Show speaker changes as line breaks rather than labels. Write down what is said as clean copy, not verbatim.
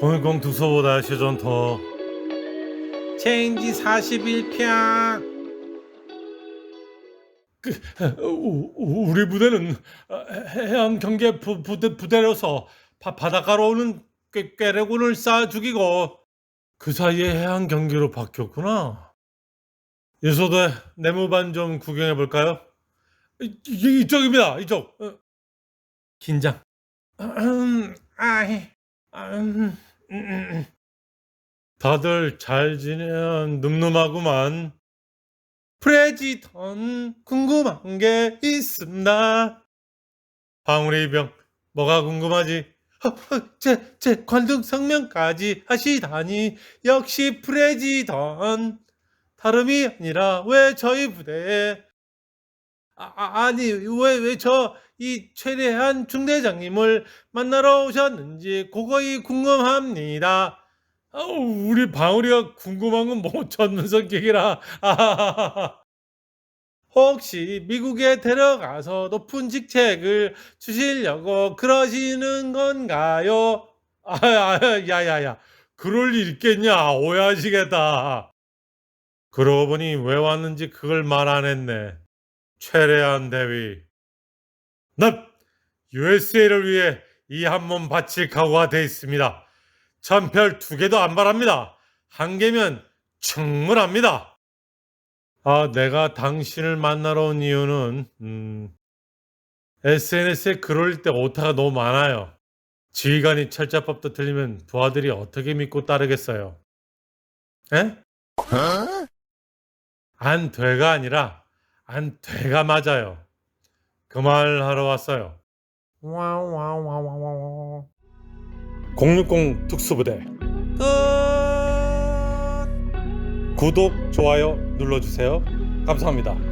공일공 두서보다 시전 더 체인지 41편. 우리 부대는 해안 경계 부대로서 바닷가로 오는 꾀레군을 쏴 죽이고 그 사이에 해안 경계로 바뀌었구나. 예소대 내무반 좀 구경해 볼까요? 이쪽입니다. 이쪽. 긴장. 아이. 다들 잘 지내면 늠름하구만. 프레지던 궁금한 게 있습니다. 방울이병 뭐가 궁금하지? 제 관등 성명까지 하시다니 역시 프레지던. 다름이 아니라 왜 저희 부대에 아니 왜 저 이 최대한 중대장님을 만나러 오셨는지 그거이 궁금합니다. 우리 방울이가 궁금한 건 못 찾는 성격이라. 혹시 미국에 데려가서 높은 직책을 주시려고 그러시는 건가요? 야야야, 그럴 일 있겠냐? 오해하시겠다. 그러고 보니 왜 왔는지 그걸 말 안 했네. 최대한 대위. 납 USA를 위해 이 한 몸 바칠 각오가 돼 있습니다. 전별 2개도 안 바랍니다. 1개면 충분합니다. 내가 당신을 만나러 온 이유는 SNS에 글 올릴 때 오타가 너무 많아요. 지휘관이 철자법도 틀리면 부하들이 어떻게 믿고 따르겠어요? 에? 안 돼가 아니라 안 돼가 맞아요. 그 말 하러 왔어요. 060 특수부대 끝. 구독, 좋아요 눌러주세요. 감사합니다.